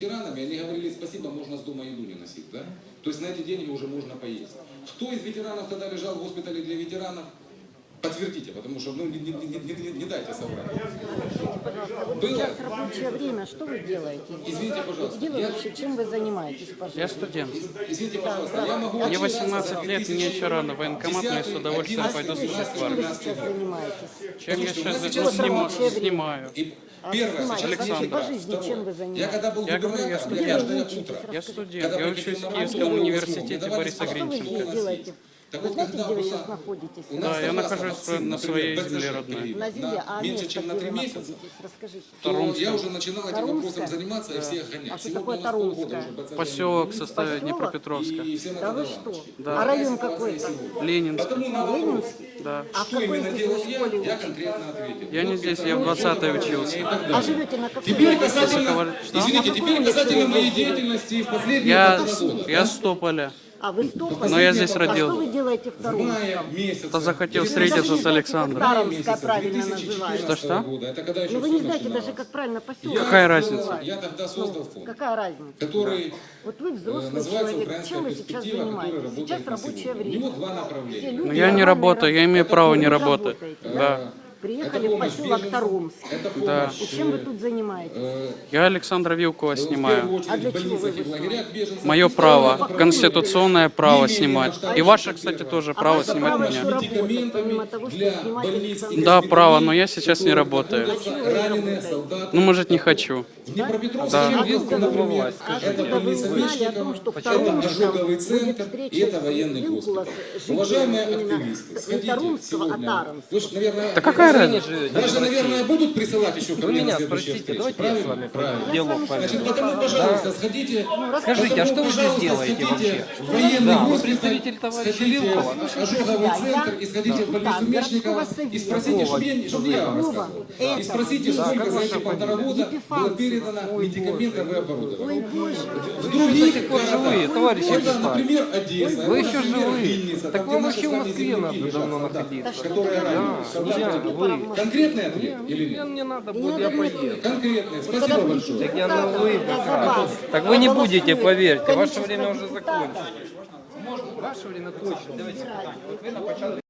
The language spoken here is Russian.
ветеранами, они говорили, спасибо, можно с дома еду не носить, да? То есть на эти деньги уже можно поесть. Кто из ветеранов тогда лежал в госпитале для ветеранов? Подтвердите, потому что не дайте соврать. Сейчас рабочее время, что вы делаете? Извините, пожалуйста. Вообще, чем вы занимаетесь, пожалуйста? Я студент. Извините, пожалуйста, я могу... Мне 18 лет, мне еще рано в военкомат, но я с удовольствием пойду служить в Чем вы армию. сейчас занимаетесь? Чем я сейчас сейчас снимаю? Первое, Александр. По жизни чем вы я занимаетесь? когда был Я говорю, я губернатором, студент. каждое утро. Я студент, я учусь в Киевском университете Бориса Что вы здесь Гринченко. делаете? Так Вы вот, знаете, когда где вы была- сейчас находитесь? У нас Да, я согласно нахожусь вакцин, на своей например, земле БЦЖ родной. привили На земле, а меньше, место, чем на где 3 вы месяца, находитесь? Расскажите. то я уже начинал этим Тарумская? вопросом заниматься и всех гонять. А что Сегодня такое у нас полгода Тарумская? уже БЦЖ Поселок состоит Поселок? Днепропетровска. и всем Да это вы давалось. что? Да. А район какой-то? Ленинск. Потому на вопрос, Ленинский? Да. А в что какой именно здесь делал вы школе я учитесь? конкретно ответил. Я не здесь, я в 20-й учился. А живете на какой Теперь улице? касательно, извините, теперь касательно моей деятельности в последние полтора года. Я с Тополя. А вы Стополь? Но я здесь А родился. что вы делаете в В мае Тарумском? месяце. Кто захотел встретиться с Александром. Тарумская правильно называется. Что? Года. Это когда еще Ну вы всё не знаете начиналось. даже, как правильно поселок. Какая разница? Я тогда создал фонд, Какая разница? который Вот вы взрослый называется человек, «Украинская чем вы сейчас перспектива», который занимаетесь? работает Сейчас на рабочее сегодня. У время. него два Все направления. люди Но я не нормально работаю, я имею право не работать. работаете. Да. Приехали в помощь поселок беженцам, Тарумск. это Да. помощь, И чем вы тут занимаетесь? Я Александра Вилкова в первую снимаю. очередь А для в чего больницах вы и в лагерях беженцев. Мое И право, второе конституционное право снимать. И ваше, кстати, первое. тоже А право ваше снимать право меня. еще работать, медикаментами помимо того, что для снимать больниц и Александра. Да, госпиталей, право, но я сейчас не которые работаю. находятся А чего вы раненые работаете? солдаты. Ну, может, не хочу. В Днепропетровске, Да. Чернигівську, например, А это когда вы больница узнали о том, Мечникова, что в это Тарумском ожоговый будет центр встреча и это военный Вилкула госпиталь. с Уважаемые жителями активисты, именно сходите Тарумского, а сегодня. Таромского. Вы же, наверное, Да какая разница? даже, наверное, будут присылать еще ко Вы мне на меня следующие спросите, встречи. давайте я с вами Правильно. диалог Значит, поведу. потому, пожалуйста, сходите. Скажите, а что вы здесь пожалуйста, делаете сходите вообще? в военный Да, вы госпиталь, представитель товарища сходите Вилкова. в ожоговый центр и сходите в больницу Да, Мечникова городского и спросите, чтобы я вам Вова, рассказывал. И этого, спросите, сколько за эти полтора года было передано медикаментов и оборудования. Ой, Боже. В других живые, товарищи вот, офицеры. например, Одесса, Вы вот, еще например, живые. Винница, Так там, вам где вообще в наши с Москве вами надо земляки давно лежат, находиться. которые ранены. Вы. Конкретный ответ или нет? Мне надо будет, я поеду. Конкретный. Спасибо большое. Так я на вы Я как за раз. вас. Так вы не Я будете, голосую. поверьте, ваше Количество время уже депутатов. закончилось. Ваше время точно. Давайте. Вот вы на початку